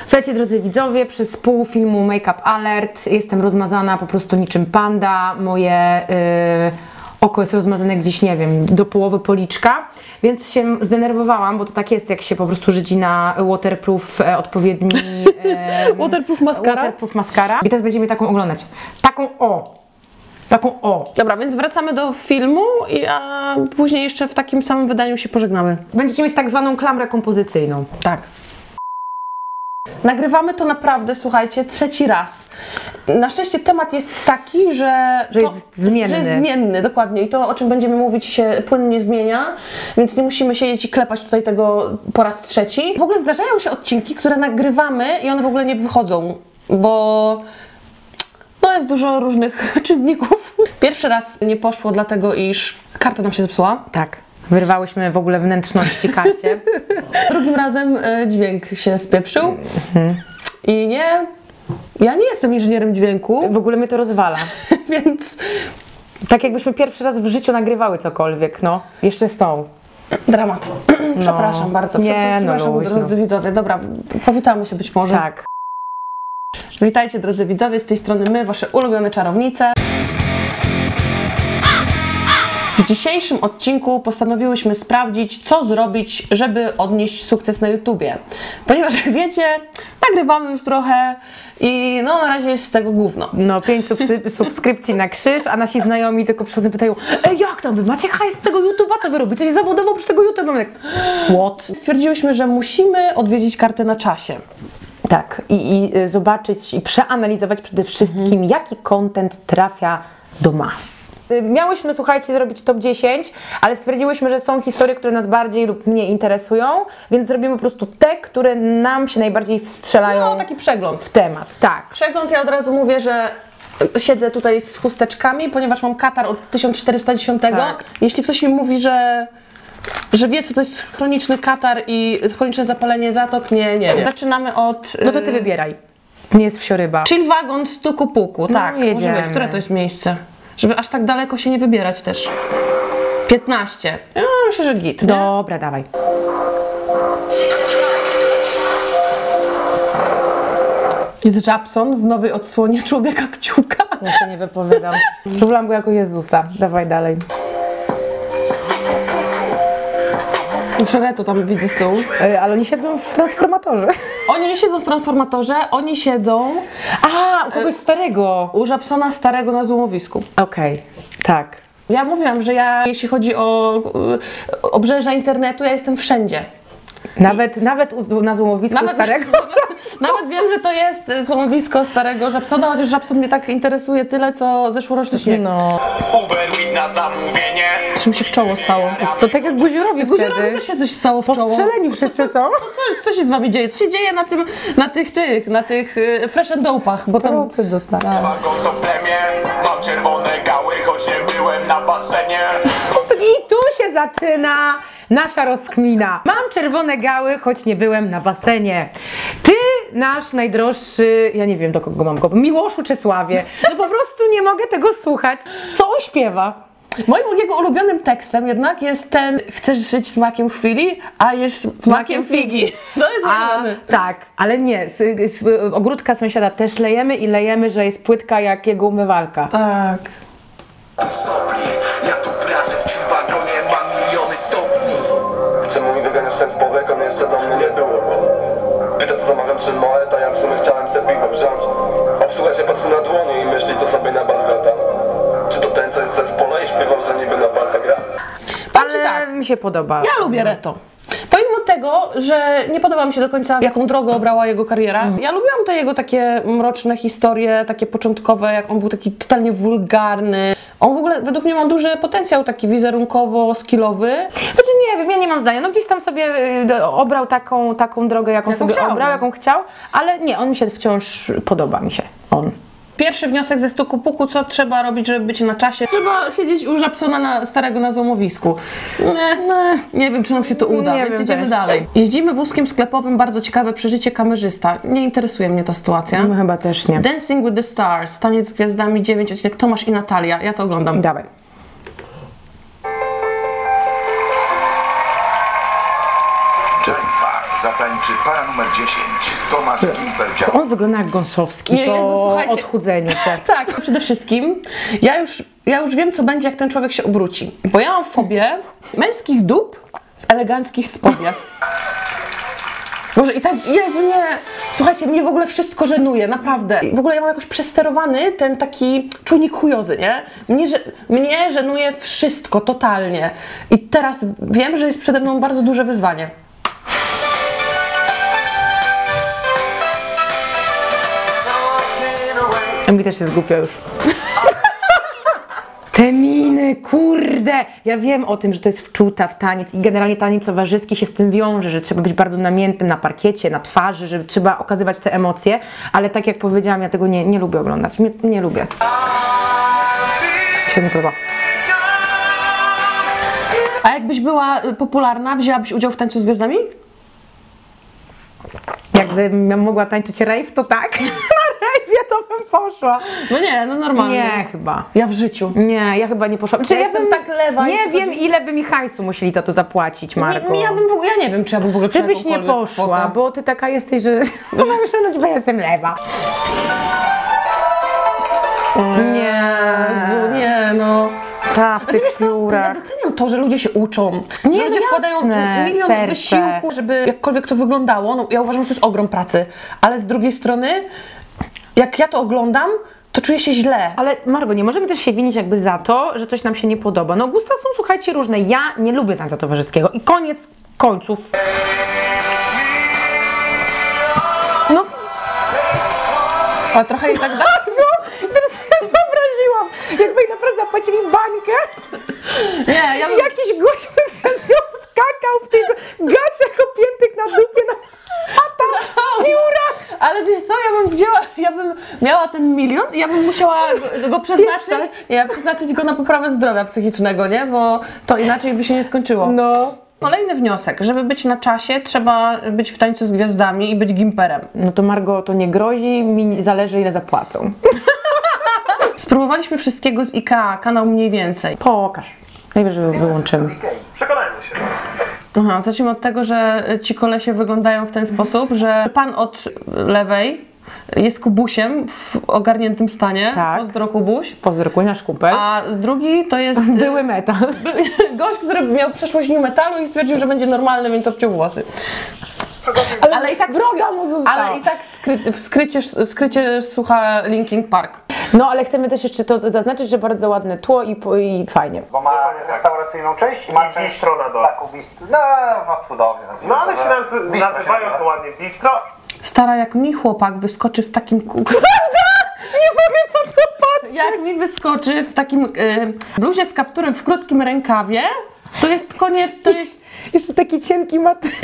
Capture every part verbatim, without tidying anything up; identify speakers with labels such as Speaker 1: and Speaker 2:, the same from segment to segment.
Speaker 1: Słuchajcie, drodzy widzowie, przez pół filmu Make Up Alert jestem rozmazana po prostu niczym panda. Moje yy, oko jest rozmazane gdzieś, nie wiem, do połowy policzka, więc się zdenerwowałam, bo to tak jest, jak się po prostu żydzi na waterproof e, odpowiedni... E,
Speaker 2: waterproof mascara?
Speaker 1: Waterproof mascara. I teraz będziemy taką oglądać. Taką o! Taką o!
Speaker 2: Dobra, więc wracamy do filmu, i, a później jeszcze w takim samym wydaniu się pożegnamy.
Speaker 1: Będziecie mieć tak zwaną klamrę kompozycyjną.
Speaker 2: Tak. Nagrywamy to naprawdę, słuchajcie, trzeci raz. Na szczęście temat jest taki, że...
Speaker 1: Że
Speaker 2: to,
Speaker 1: jest zmienny.
Speaker 2: Że jest zmienny, dokładnie. I to, o czym będziemy mówić, się płynnie zmienia, więc nie musimy siedzieć i klepać tutaj tego po raz trzeci. W ogóle zdarzają się odcinki, które nagrywamy i one w ogóle nie wychodzą, bo... No jest dużo różnych czynników. Pierwszy raz nie poszło dlatego, iż karta nam się zepsuła.
Speaker 1: Tak. Wyrwałyśmy w ogóle wnętrzności karcie.
Speaker 2: Drugim razem y, dźwięk się spieprzył. Mm-hmm. I nie... Ja nie jestem inżynierem dźwięku.
Speaker 1: W ogóle mnie to rozwala.
Speaker 2: Więc...
Speaker 1: Tak jakbyśmy pierwszy raz w życiu nagrywały cokolwiek, no. Jeszcze z tą.
Speaker 2: Dramat. Przepraszam no. bardzo.
Speaker 1: Nie,
Speaker 2: Przepraszam,
Speaker 1: no,
Speaker 2: drodzy widzowie. Dobra, powitamy się być może.
Speaker 1: Tak.
Speaker 2: Witajcie, drodzy widzowie, z tej strony my, wasze ulubione czarownice. W dzisiejszym odcinku postanowiłyśmy sprawdzić, co zrobić, żeby odnieść sukces na YouTubie. Ponieważ jak wiecie, nagrywamy już trochę i no na razie jest z tego gówno.
Speaker 1: No, pięć subskrypcji na krzyż, a nasi znajomi tylko przychodzą i pytają: ej, jak tam wy macie hajs z tego YouTube'a, co wy robicie? Coś zawodowo przy tego YouTube'a? Mamy tak, what?
Speaker 2: Stwierdziłyśmy, że musimy odwiedzić kartę na czasie.
Speaker 1: Tak, i, i zobaczyć i przeanalizować przede wszystkim, mhm. jaki content trafia do mas. Miałyśmy, słuchajcie, zrobić top dziesięć, ale stwierdziłyśmy, że są historie, które nas bardziej lub mniej interesują, więc zrobimy po prostu te, które nam się najbardziej wstrzelają.
Speaker 2: No, taki przegląd.
Speaker 1: W temat, tak.
Speaker 2: Przegląd, ja od razu mówię, że siedzę tutaj z chusteczkami, ponieważ mam katar od tysiąc czterysta dziesięć.
Speaker 1: Tak.
Speaker 2: Jeśli ktoś mi mówi, że... że wie, co to jest chroniczny katar i chroniczne zapalenie zatok, nie, nie wiem. Zaczynamy od...
Speaker 1: No to ty wybieraj. Nie jest wsioryba.
Speaker 2: Chill wagon stuku puku,
Speaker 1: no,
Speaker 2: tak.
Speaker 1: Jedziemy.
Speaker 2: Może być. Które to jest miejsce? Żeby aż tak daleko się nie wybierać też. piętnaście. Ja myślę, że git. Nie?
Speaker 1: Dobra, dawaj.
Speaker 2: Jest Japson w nowej odsłonie Człowieka Kciuka.
Speaker 1: Ja się nie wypowiadam. Żuwlam go jako Jezusa. Dawaj dalej.
Speaker 2: Przereto tam widzę z tyłu.
Speaker 1: Ej, ale oni siedzą w transformatorze.
Speaker 2: Oni nie siedzą w transformatorze, oni siedzą...
Speaker 1: A, u kogoś starego.
Speaker 2: U Japsona starego na złomowisku.
Speaker 1: Okej, okay. Tak.
Speaker 2: Ja mówiłam, że ja, jeśli chodzi o y, obrzeża internetu, ja jestem wszędzie.
Speaker 1: Nawet, I... nawet u, na złomowisku nawet, starego?
Speaker 2: Nawet, nawet wiem, że to jest złomowisko starego Japsona, chociaż Japson mnie tak interesuje tyle, co zeszłoroczny śnieg.
Speaker 1: No.
Speaker 3: Uber na zamówienie.
Speaker 2: Czym się w czoło stało?
Speaker 1: To tak jak Guziorowi wtedy.
Speaker 2: Guziorowi też się coś stało w czoło.
Speaker 1: Postrzeleni wszyscy
Speaker 2: co,
Speaker 1: są.
Speaker 2: Co, co, jest, co się z wami dzieje? Co się dzieje na tym, na tych, tych, na tych y, fresh and dope'ach?
Speaker 1: Bo tam dostałem.
Speaker 3: Wagon to plemię, mam czerwone gały, choć nie byłem na basenie.
Speaker 1: I tu się zaczyna nasza rozkmina. Mam czerwone gały, choć nie byłem na basenie. Ty, nasz najdroższy, ja nie wiem do kogo mam go, Miłoszu Czesławie, no po prostu nie mogę tego słuchać. Co on śpiewa?
Speaker 2: Moim jego ulubionym tekstem jednak jest ten: chcesz żyć smakiem chwili, a jesz smakiem figi. To jest ulubiony.
Speaker 1: Tak, ale nie, z, z, ogródka sąsiada też lejemy i lejemy, że jest płytka jak jego umywalka.
Speaker 2: Tak.
Speaker 3: Ja tu pracę w chill wagonie, mam miliony stopni.
Speaker 4: Czemu mi wyganiasz ten spowek, on jeszcze do mnie nie było. Pyta, co zamawiam, czy moje, a ja w sumie chciałem se piwo wziąć. Obsługa się patrzy na dłonie i myśli, co sobie na bas gra tam. Czy to ten, co jest z zespole i śpiewał, że niby na palce gra?
Speaker 1: Ale tak, mi się podoba.
Speaker 2: Ja lubię Reto. Pomimo tego, że nie podoba mi się do końca, jaką drogę obrała jego kariera, mm. ja lubiłam te jego takie mroczne historie, takie początkowe, jak on był taki totalnie wulgarny. On w ogóle według mnie ma duży potencjał taki wizerunkowo-skillowy.
Speaker 1: Znaczy nie wiem, ja nie mam zdania. No gdzieś tam sobie y, obrał taką, taką drogę, jaką, jaką sobie chciał, obrał, jaką chciał, ale nie, on mi się wciąż podoba, mi się on.
Speaker 2: Pierwszy wniosek ze stuku puku: co trzeba robić, żeby być na czasie? Trzeba siedzieć u Japsona na, starego na złomowisku. Nie, nie, nie wiem, czy nam się to uda,
Speaker 1: nie
Speaker 2: więc
Speaker 1: wiem
Speaker 2: idziemy
Speaker 1: też.
Speaker 2: dalej. Jeździmy wózkiem sklepowym, bardzo ciekawe przeżycie kamerzysta. Nie interesuje mnie ta sytuacja.
Speaker 1: No, chyba też nie.
Speaker 2: Dancing with the Stars, Taniec z Gwiazdami dziewięć, odcinek Tomasz i Natalia. Ja to oglądam.
Speaker 1: Dawaj.
Speaker 3: Jennifer
Speaker 5: zatańczy para numer dziesięć. Tomasz Gimper.
Speaker 1: On wygląda jak Gąsowski
Speaker 2: Nie,
Speaker 1: po
Speaker 2: Jezu, słuchajcie.
Speaker 1: odchudzeniu się.
Speaker 2: Tak, przede wszystkim ja już, ja już wiem, co będzie, jak ten człowiek się obróci. Bo ja mam fobię męskich dup w eleganckich spodniach. Boże, i tak, Jezu, nie, słuchajcie, mnie w ogóle wszystko żenuje, naprawdę. W ogóle ja mam jakoś przesterowany ten taki czujnik chujozy, nie? Mnie, że, mnie żenuje wszystko, totalnie. I teraz wiem, że jest przede mną bardzo duże wyzwanie.
Speaker 1: A mi też jest głupio już. Te miny, kurde! Ja wiem o tym, że to jest wczuta w taniec i generalnie taniec towarzyski się z tym wiąże, że trzeba być bardzo namiętnym na parkiecie, na twarzy, że trzeba okazywać te emocje, ale tak jak powiedziałam, ja tego nie, nie lubię oglądać. Nie, nie lubię. Się nie podoba.
Speaker 2: A jakbyś była popularna, wzięłabyś udział w Tańcu z Gwiazdami?
Speaker 1: Jakbym ja mogła tańczyć rave, to tak. Na rave'ie to bym poszła.
Speaker 2: No nie, no normalnie.
Speaker 1: Nie, chyba.
Speaker 2: Ja w życiu.
Speaker 1: Nie, ja chyba nie poszłam. Czy
Speaker 2: Ja jestem tak lewa,
Speaker 1: Nie
Speaker 2: jeśli
Speaker 1: wiem,
Speaker 2: chodzi-
Speaker 1: ile by mi hajsu musieli za to zapłacić, Marko.
Speaker 2: Nie, ja bym w ogóle, ja nie wiem, czy ja bym w ogóle
Speaker 1: Ty byś nie
Speaker 2: jakąkolwiek
Speaker 1: poszła,
Speaker 2: kwotę.
Speaker 1: bo ty taka jesteś, że... No myślę, no chyba jestem lewa. Nie.
Speaker 2: Jezu, nie, no.
Speaker 1: Ta, w
Speaker 2: Znaczy,
Speaker 1: tych
Speaker 2: wiesz co, ja
Speaker 1: piórach.
Speaker 2: doceniam to, że ludzie się uczą,
Speaker 1: Nie,
Speaker 2: że ludzie
Speaker 1: no
Speaker 2: wkładają
Speaker 1: jasne,
Speaker 2: milion
Speaker 1: serce.
Speaker 2: wysiłku, żeby jakkolwiek to wyglądało. No, ja uważam, że to jest ogrom pracy, ale z drugiej strony, jak ja to oglądam, to czuję się źle.
Speaker 1: Ale Margo, nie możemy też się winić jakby za to, że coś nam się nie podoba. No gusta są, słuchajcie, różne. Ja nie lubię tańca towarzyskiego i koniec końców. No,
Speaker 2: A trochę i tak dalej.
Speaker 1: teraz sobie wyobraziłam, jakby jej naprawdę zapłacili bańkę.
Speaker 2: Nie, ja bym...
Speaker 1: I jakiś gość by przez nią skakał w tych gaciach opiętych na dupie, na chata, w piórach.
Speaker 2: Ale wiesz co, ja bym wzięła, ja bym miała ten milion i ja bym musiała go, go przeznaczyć, nie, przeznaczyć go na poprawę zdrowia psychicznego, nie? Bo to inaczej by się nie skończyło.
Speaker 1: No.
Speaker 2: Kolejny wniosek, żeby być na czasie, trzeba być w Tańcu z Gwiazdami i być gimperem.
Speaker 1: No to Margo, to nie grozi, mi zależy ile zapłacą.
Speaker 2: Spróbowaliśmy wszystkiego z IKEA, kanał mniej więcej.
Speaker 1: Pokaż. Najwyżej wyłączymy.
Speaker 3: Przekonajmy się.
Speaker 2: Aha, zacznijmy od tego, że ci kolesie wyglądają w ten sposób, że pan od lewej jest Kubusiem w ogarniętym stanie.
Speaker 1: Tak.
Speaker 2: Pozdro Kubuś.
Speaker 1: Pozdrokuj nasz kumpel.
Speaker 2: A drugi to jest
Speaker 1: Były metal.
Speaker 2: gość, który miał przeszłość new metalu i stwierdził, że będzie normalny, więc obciął włosy. Ale, ale i tak
Speaker 1: wroga mu została.
Speaker 2: Ale i tak skry, w skrycie, skrycie słucha Linkin Park.
Speaker 1: No ale chcemy też jeszcze to zaznaczyć, że bardzo ładne tło i, po- i fajnie.
Speaker 6: Bo ma restauracyjną część i ma
Speaker 3: I
Speaker 6: część
Speaker 3: bistro na dole.
Speaker 6: taką bistro, no fast foodowie. nazwijmy
Speaker 3: No ale
Speaker 6: to,
Speaker 3: się
Speaker 6: że
Speaker 3: nazy-
Speaker 6: bistro się
Speaker 3: nazywają
Speaker 6: nazywa.
Speaker 3: to ładnie bistro.
Speaker 2: Stara, jak mi chłopak wyskoczy w takim kółku.
Speaker 1: Nie mogę po to patrzeć.
Speaker 2: Jak mi wyskoczy w takim e, bluzie z kapturem w krótkim rękawie, to jest koniec, to jest...
Speaker 1: Jeszcze taki cienki materiał.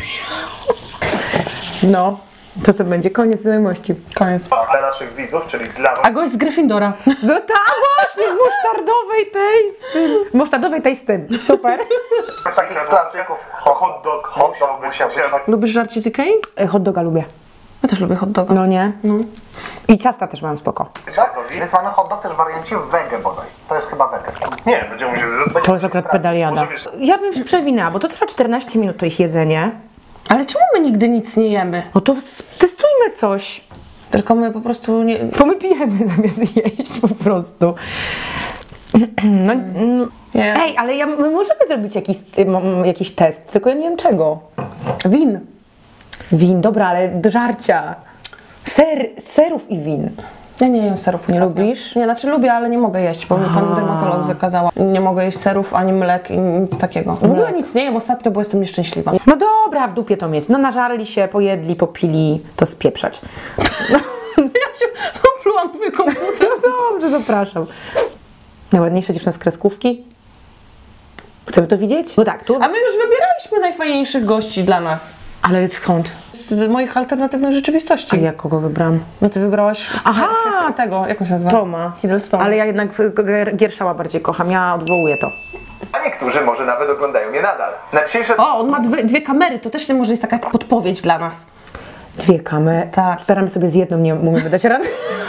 Speaker 1: No, to co będzie? Koniec znajomości.
Speaker 2: Koniec.
Speaker 3: Dla naszych widzów, czyli dla was.
Speaker 2: A gość z Gryffindora.
Speaker 1: No tak, właśnie, z musztardowej tej z tym. Musztardowej tej z tym. Super.
Speaker 6: Z takich klasyków hot,
Speaker 3: Hot dog
Speaker 6: hot
Speaker 3: musiał
Speaker 6: dog
Speaker 3: być.
Speaker 6: musiał być.
Speaker 3: musiał-
Speaker 2: Lubisz żarcie z Ikei?
Speaker 1: E, Hot doga lubię.
Speaker 2: Ja też lubię hot doga.
Speaker 1: No nie? No. I ciasta też mam spoko.
Speaker 6: Tak? Więc mamy hot dog też w wariancie w wege bodaj. To jest chyba wege.
Speaker 3: Nie, będziemy musieli rozmawiać.
Speaker 1: To jest akurat pedaliada.
Speaker 3: Może wiesz-
Speaker 1: Ja bym się przewinęła, bo to trwa czternaście minut to ich jedzenie.
Speaker 2: Ale czemu my nigdy nic nie jemy?
Speaker 1: No to s- testujmy coś.
Speaker 2: Tylko my po prostu nie...
Speaker 1: To my pijemy zamiast jeść po prostu. No, no.
Speaker 2: Nie.
Speaker 1: Ej, ale ja, my możemy zrobić jakiś, m, jakiś test, tylko ja nie wiem czego.
Speaker 2: Win.
Speaker 1: Win, dobra, ale do żarcia. Ser, serów i win.
Speaker 2: Ja nie jem serów.
Speaker 1: Nie
Speaker 2: ostatnio.
Speaker 1: lubisz?
Speaker 2: Nie, znaczy lubię, ale nie mogę jeść, bo mi pan dermatolog zakazała. Nie mogę jeść serów, ani mlek i nic takiego. W ogóle nic nie jem ostatnio, bo jestem nieszczęśliwa.
Speaker 1: No dobra, w dupie to mieć. No nażarli się, pojedli, popili, to spieprzać.
Speaker 2: Ja się oplułam twój komputer.
Speaker 1: No dobrze, zapraszam. Najładniejsza dziewczyna z kreskówki. Chcemy to widzieć? No tak, tu.
Speaker 2: A my już wybieraliśmy najfajniejszych gości dla nas.
Speaker 1: Ale skąd?
Speaker 2: Z moich alternatywnych rzeczywistości.
Speaker 1: A ja kogo wybrałam?
Speaker 2: No ty wybrałaś
Speaker 1: Aha!
Speaker 2: tego, jak on się nazywa?
Speaker 1: Toma.
Speaker 2: Hiddlestona.
Speaker 1: Ale ja jednak Gier- Gierszała bardziej kocham, ja odwołuję to.
Speaker 7: A niektórzy może nawet oglądają mnie nadal. Na dzisiejsze...
Speaker 2: O, on ma dwie, dwie kamery, to też może jest taka podpowiedź dla nas.
Speaker 1: Dwie kamery.
Speaker 2: Tak.
Speaker 1: Staramy sobie z jedną, nie umiemy dać rady.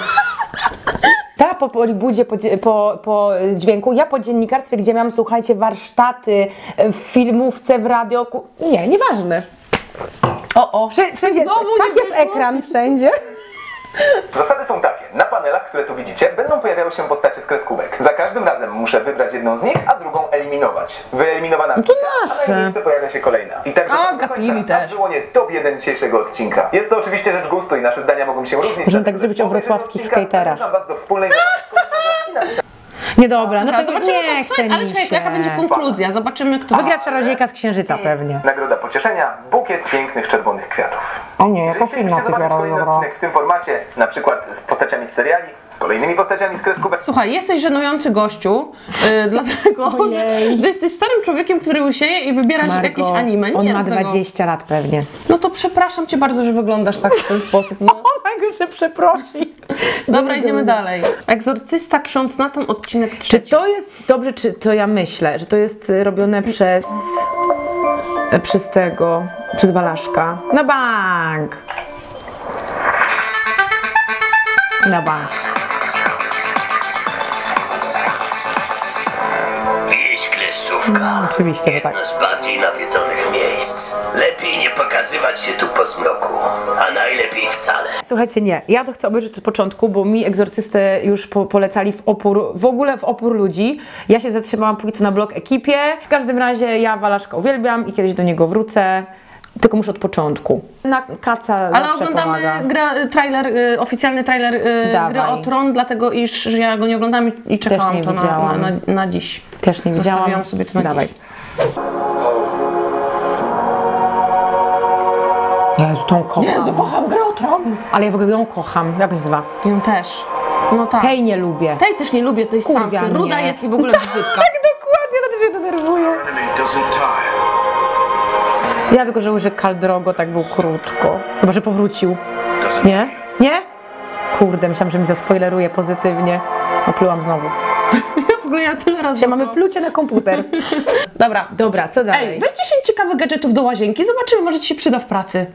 Speaker 1: Ta po Polibudzie, po, dzie- po, po dźwięku, ja po dziennikarstwie, gdzie miałam, słuchajcie, warsztaty w filmówce, w radio. ku- Nie, nieważne.
Speaker 2: O, o.
Speaker 1: Wszędzie, wszędzie
Speaker 2: Znowu
Speaker 1: tak
Speaker 2: nie
Speaker 1: jest
Speaker 2: wyszło?
Speaker 1: ekran wszędzie.
Speaker 7: Zasady są takie. Na panelach, które tu widzicie, będą pojawiały się postacie z kreskówek. Za każdym razem muszę wybrać jedną z nich, a drugą eliminować. Wyeliminowana
Speaker 1: to
Speaker 7: znika, a
Speaker 1: nasze.
Speaker 7: na jej miejsce pojawia się kolejna. I tak do
Speaker 2: A,
Speaker 7: samego
Speaker 2: gapili
Speaker 7: końca, aż
Speaker 2: też.
Speaker 7: wyłonię top jeden dzisiejszego odcinka. Jest to oczywiście rzecz gustu i nasze zdania mogą się różnić.
Speaker 1: Możemy tak
Speaker 7: dlatego,
Speaker 1: zrobić
Speaker 7: że
Speaker 1: o
Speaker 7: w połowie
Speaker 1: wrocławskich
Speaker 7: odcinka
Speaker 1: skaterach.
Speaker 7: zachęcam was do wspólnej zabawy i napisania.
Speaker 1: Nie dobra, no
Speaker 2: Dobra,
Speaker 1: tego
Speaker 2: zobaczymy,
Speaker 1: nie
Speaker 2: kon-
Speaker 1: chce
Speaker 2: ale
Speaker 1: mi
Speaker 2: czekaj,
Speaker 1: się.
Speaker 2: jaka będzie konkluzja? Zobaczymy, kto
Speaker 1: Wygra czarodziejka z księżyca pewnie.
Speaker 7: Nagroda pocieszenia, bukiet pięknych czerwonych kwiatów.
Speaker 1: O nie,
Speaker 7: Jeżeli
Speaker 1: jakaś inna
Speaker 7: chcielibyście zobaczyć
Speaker 1: figura,
Speaker 7: kolejny
Speaker 1: dobra.
Speaker 7: odcinek w tym formacie, na przykład z postaciami z seriali, z kolejnymi postaciami z kreskówek,
Speaker 2: Słuchaj, jesteś żenujący gościu, yy, dlatego, że,
Speaker 1: Ojej.
Speaker 2: że jesteś starym człowiekiem, który łysieje i wybierasz
Speaker 1: Margo,
Speaker 2: jakieś anime. Nie
Speaker 1: on ma
Speaker 2: rób tego.
Speaker 1: dwadzieścia lat pewnie.
Speaker 2: No to przepraszam cię bardzo, że wyglądasz tak w ten sposób. No.
Speaker 1: On się przeprosi.
Speaker 2: Dobra, idziemy dalej. Egzorcysta, ksiądz Natan, odcinek
Speaker 1: Czy
Speaker 2: trzeci.
Speaker 1: to jest dobrze, czy to ja myślę, że to jest y, robione przez y, przez tego, przez Walaszka? Na bank! Na bank.
Speaker 8: Wieś Kleszczówka.
Speaker 1: Oczywiście, że tak.
Speaker 8: Jedno z bardziej nawiedzonych miejsc. Lepiej nie pokazywać się tu po zmroku, a najlepiej wcale.
Speaker 1: Słuchajcie, nie. Ja to chcę obejrzeć od początku, bo mi egzorcystę już po, polecali w opór, w ogóle w opór ludzi. Ja się zatrzymałam póki co na blog ekipie. W każdym razie ja Walaszka uwielbiam i kiedyś do niego wrócę. Tylko muszę od początku. Na kaca
Speaker 2: Ale
Speaker 1: zawsze
Speaker 2: oglądamy
Speaker 1: pomaga.
Speaker 2: gra, trailer, y, oficjalny trailer y,
Speaker 1: Dawaj.
Speaker 2: gry o Tron, dlatego iż że ja go nie oglądam i, i czekałam
Speaker 1: nie
Speaker 2: to na,
Speaker 1: widziałam.
Speaker 2: na, na, na dziś.
Speaker 1: Też nie widziałam.
Speaker 2: Zostawiłam sobie to na
Speaker 1: Dawaj.
Speaker 2: dziś.
Speaker 1: Jezu, tą kocham.
Speaker 2: Jezu, kocham grę o Tron!
Speaker 1: Ale ja w ogóle ją kocham. Jak się nazywa?
Speaker 2: Ją też. No tak.
Speaker 1: Tej nie lubię.
Speaker 2: Tej też nie lubię, tej
Speaker 1: Kurwia
Speaker 2: Sansy. Ruda
Speaker 1: mnie.
Speaker 2: jest i w ogóle brzydka.
Speaker 1: Tak, dokładnie, to też się denerwuje.
Speaker 5: Enemy doesn't tire.
Speaker 1: Ja tylko żałuję, że Khal Drogo tak był krótko. Chyba, że powrócił.
Speaker 5: Doesn't
Speaker 1: Nie? Nie? Kurde, myślałam, że mi zaspoileruje pozytywnie. Oplułam znowu.
Speaker 2: Ja w ogóle ja tyle razy...
Speaker 1: Dzisiaj mamy plucie na komputer.
Speaker 2: Dobra.
Speaker 1: Dobra, co dalej?
Speaker 2: Ej, weź dziesięć ciekawych gadżetów do łazienki, zobaczymy, może ci się przyda w pracy.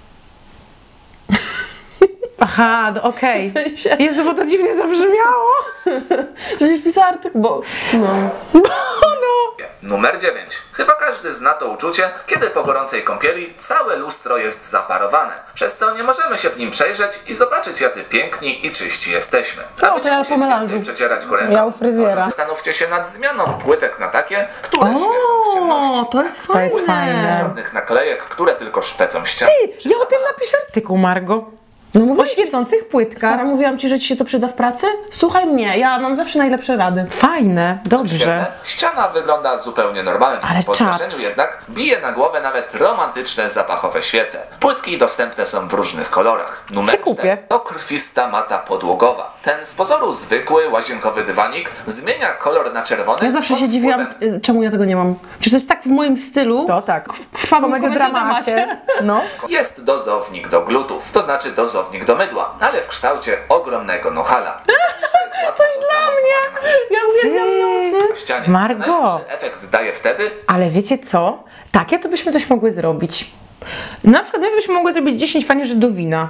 Speaker 1: Aha, no okej.
Speaker 2: W sensie-
Speaker 1: Jezu, bo to dziwnie zabrzmiało.
Speaker 2: Żebyś pisała artykuł, bo... No.
Speaker 1: No.
Speaker 7: Numer dziewięć. Chyba każdy zna to uczucie, kiedy po gorącej kąpieli całe lustro jest zaparowane, przez co nie możemy się w nim przejrzeć i zobaczyć, jacy piękni i czyści jesteśmy.
Speaker 2: No,
Speaker 7: Aby
Speaker 2: to
Speaker 7: nie
Speaker 2: ja
Speaker 7: musieć
Speaker 2: po melanżu.
Speaker 7: więcej przecierać go ręką,
Speaker 1: Ja u fryzjera.
Speaker 7: może zastanówcie się nad zmianą płytek na takie, które świecą w
Speaker 2: O,
Speaker 7: ciemności.
Speaker 2: to jest
Speaker 1: To
Speaker 2: fajne.
Speaker 1: jest fajne.
Speaker 7: Żadnych naklejek, które tylko szpecą ściany.
Speaker 1: Ja o tym napiszę artykuł, Margo.
Speaker 2: No
Speaker 1: O
Speaker 2: mówię ci,
Speaker 1: świecących płytkach.
Speaker 2: Stara, mówiłam ci, że ci się to przyda w pracy? Słuchaj mnie, ja mam zawsze najlepsze rady.
Speaker 1: Fajne, dobrze.
Speaker 7: Świetne. Ściana wygląda zupełnie normalnie.
Speaker 1: Ale
Speaker 7: po
Speaker 1: czad.
Speaker 7: zdarzeniu jednak bije na głowę nawet romantyczne zapachowe świece. Płytki dostępne są w różnych kolorach. Numer
Speaker 1: Se kupię.
Speaker 7: cztery to krwista mata podłogowa. Ten z pozoru zwykły łazienkowy dywanik zmienia kolor na czerwony.
Speaker 2: Ja zawsze
Speaker 7: pod
Speaker 2: się dziwiłam,
Speaker 7: wpływem
Speaker 2: y, czemu ja tego nie mam. Przecież to jest tak w moim stylu.
Speaker 1: To tak.
Speaker 2: Krwawym
Speaker 1: Komediodramacie. No.
Speaker 7: Jest dozownik do glutów, to znaczy dozownik do mydła, ale w kształcie ogromnego nohala. Coś
Speaker 2: Dla mnie! Ja uwielbiam nosy.
Speaker 7: W ścianie.
Speaker 1: Margo.
Speaker 7: Najlepszy efekt daje wtedy,
Speaker 1: Ale wiecie co? Takie to byśmy coś mogły zrobić. Na przykład my byśmy mogły zrobić dziesięć fanierzy do wina.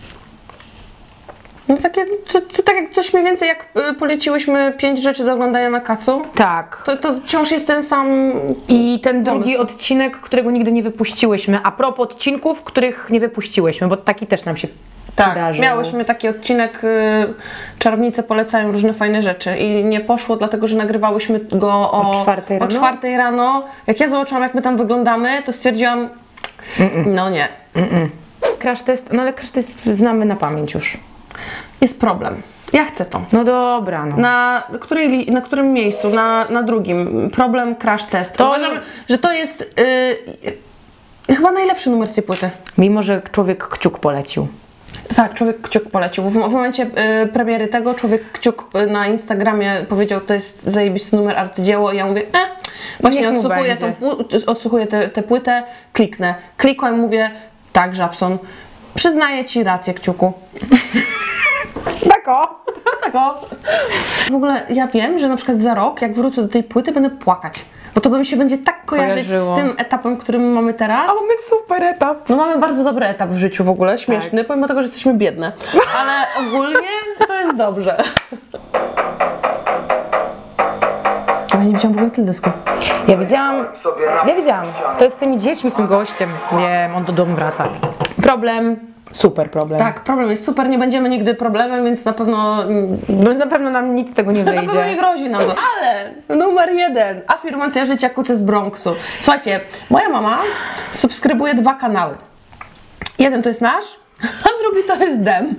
Speaker 2: No takie, to, to tak jak coś mniej więcej jak y, poleciłyśmy pięć rzeczy do oglądania na kacu,
Speaker 1: Tak.
Speaker 2: to, to wciąż jest ten sam...
Speaker 1: I ten drugi
Speaker 2: Pomysł.
Speaker 1: odcinek, którego nigdy nie wypuściłyśmy. A propos odcinków, których nie wypuściłyśmy, bo taki też nam się
Speaker 2: Tak,
Speaker 1: przydarzył.
Speaker 2: miałyśmy taki odcinek, y, czarownice polecają różne fajne rzeczy i nie poszło, dlatego że nagrywałyśmy go o,
Speaker 1: O czwartej
Speaker 2: o
Speaker 1: rano?
Speaker 2: czwartej rano. Jak ja zobaczyłam, jak my tam wyglądamy, to stwierdziłam, no nie,
Speaker 1: Crash test, no ale crash test znamy na pamięć już.
Speaker 2: jest problem. Ja chcę to.
Speaker 1: No dobra, no.
Speaker 2: Na, której, li- na którym miejscu? Na, na drugim. Problem crash test.
Speaker 1: To-
Speaker 2: Uważam, że to jest y, y, chyba najlepszy numer z tej płyty.
Speaker 1: Mimo, że człowiek kciuk polecił.
Speaker 2: Tak, Człowiek Kciuk polecił. W, w momencie y, premiery tego Człowiek Kciuk y, na Instagramie powiedział, to jest zajebisty numer, arcydzieło i ja mówię, e, właśnie
Speaker 1: Niech mu
Speaker 2: odsłuchuję,
Speaker 1: będzie.
Speaker 2: tą, pł- odsłuchuję tę tę płytę, kliknę. Klikłem, mówię, tak, Żabson, przyznaję Ci rację, Kciuku.
Speaker 1: Tak o!
Speaker 2: Tak o. W ogóle ja wiem, że na przykład za rok, jak wrócę do tej płyty, będę płakać. Bo to by mi się będzie tak kojarzyć
Speaker 1: Kojarzyło.
Speaker 2: z tym etapem, którym mamy teraz.
Speaker 1: Mamy super etap.
Speaker 2: No mamy bardzo dobry etap w życiu w ogóle, śmieszny, pomimo tego, że jesteśmy biedne. Ale ogólnie to jest dobrze. No nie widziałam w ogóle teledysku.
Speaker 1: Ja widziałam, ja widziałam, to jest z tymi dziećmi, z tym gościem, wiem, on do domu wraca. Problem, super problem.
Speaker 2: Tak, problem jest super, nie będziemy nigdy problemem, więc na pewno...
Speaker 1: No, na pewno nam nic z tego nie
Speaker 2: Na pewno nie
Speaker 1: wyjdzie.
Speaker 2: grozi nam to. Ale numer jeden, afirmacja życia kucy z Bronxu. Słuchajcie, moja mama subskrybuje dwa kanały. Jeden to jest nasz, a drugi to jest Dem.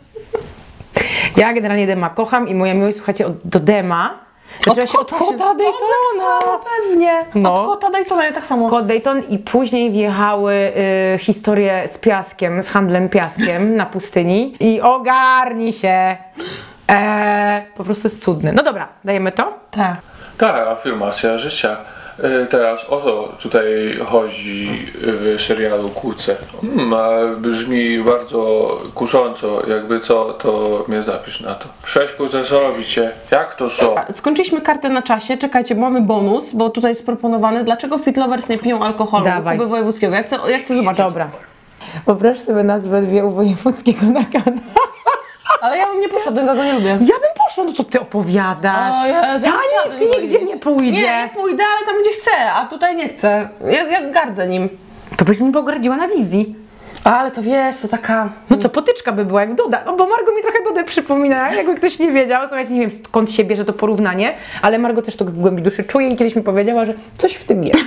Speaker 1: Ja generalnie Dema kocham i moja miłość, słuchajcie, od, do Dema zaczęła się od
Speaker 2: się-
Speaker 1: kota
Speaker 2: O, tak
Speaker 1: Daytona.
Speaker 2: samo, pewnie.
Speaker 1: No.
Speaker 2: Od kota Daytona, ja tak samo.
Speaker 1: Kot Dayton i później wjechały y, historie z piaskiem, z handlem piaskiem na pustyni i ogarnij się. Eee, po prostu jest cudny. No dobra, dajemy to?
Speaker 2: Tak.
Speaker 9: Tak, afirmacja życia. E, Teraz o to tutaj chodzi w serialu Kłóce. Hmm, a brzmi bardzo kusząco, jakby co, to mnie zapisz na to. Sześć kłóce, co robicie? Jak to są?
Speaker 2: Skończyliśmy kartę na czasie, czekajcie, bo mamy bonus, bo tutaj jest proponowany, dlaczego Fit Lovers nie piją alkoholu
Speaker 1: Dawaj.
Speaker 2: Kuby Wojewódzkiego. Ja chcę, ja chcę zobaczyć.
Speaker 1: Dobra. Poproszę sobie nazwę dwie u Wojewódzkiego na kanał.
Speaker 2: Ale ja bym nie poszła, tego go nie lubię.
Speaker 1: Ja bym poszła, no co ty opowiadasz?
Speaker 2: O Jezu, ja
Speaker 1: Ta
Speaker 2: chciałabym
Speaker 1: nic nigdzie
Speaker 2: iść.
Speaker 1: nie pójdzie.
Speaker 2: Nie, nie pójdę, ale tam gdzie chcę, a tutaj nie chcę. Ja, ja gardzę nim.
Speaker 1: To byś nim pogardziła na wizji.
Speaker 2: Ale to wiesz, to taka...
Speaker 1: No co, potyczka by była jak Doda. No bo Margo mi trochę Dodę przypomina, jakby ktoś nie wiedział. Słuchajcie, nie wiem skąd się bierze to porównanie, ale Margo też to w głębi duszy czuje i kiedyś mi powiedziała, że coś w tym jest.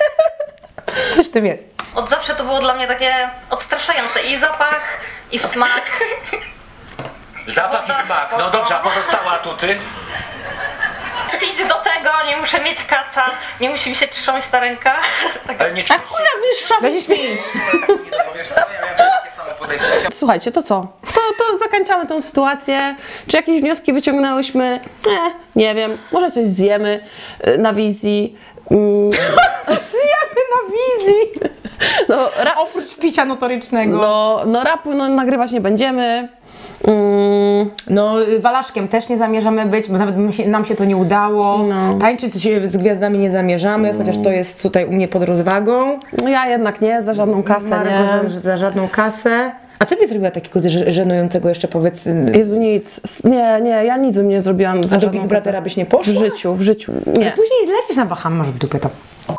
Speaker 1: Coś w tym jest.
Speaker 10: Od zawsze to było dla mnie takie odstraszające. I zapach, i smak.
Speaker 8: Zapach i smak. No dobrze, a pozostałe atuty?
Speaker 10: Idź do tego, nie muszę mieć kaca, nie musi mi się trząść ta ręka. Tak.
Speaker 8: Ale nie
Speaker 2: A chuja, wiesz, szafy
Speaker 1: Weź
Speaker 2: śmieć.
Speaker 7: Wiesz co, ja miałem takie samo podejście.
Speaker 2: Słuchajcie, to co? To, to zakończamy tą sytuację. Czy jakieś wnioski wyciągnęłyśmy? Eh, nie wiem. Może coś zjemy y, na wizji. Mm,
Speaker 1: Zjemy na wizji!
Speaker 2: no, ra,
Speaker 1: Oprócz picia notorycznego.
Speaker 2: no, no rapu no, nagrywać nie będziemy. Mm,
Speaker 1: No, walaszkiem też nie zamierzamy być, bo nawet my się, nam się to nie udało.
Speaker 2: No.
Speaker 1: Tańczyć z gwiazdami nie zamierzamy, chociaż to jest tutaj u mnie pod rozwagą.
Speaker 2: no ja jednak nie, za żadną kasę,
Speaker 1: Margo,
Speaker 2: nie.
Speaker 1: że- za żadną kasę. A co byś zrobiła takiego że- żenującego jeszcze, powiedz,
Speaker 2: Jezu, nic. Nie, nie, ja nic bym nie zrobiłam za
Speaker 1: a do
Speaker 2: żadną
Speaker 1: Big Brothera
Speaker 2: kasę.
Speaker 1: byś nie poszła?
Speaker 2: W życiu, w życiu. Nie.
Speaker 1: Później lecisz na Baham, masz w dupie to.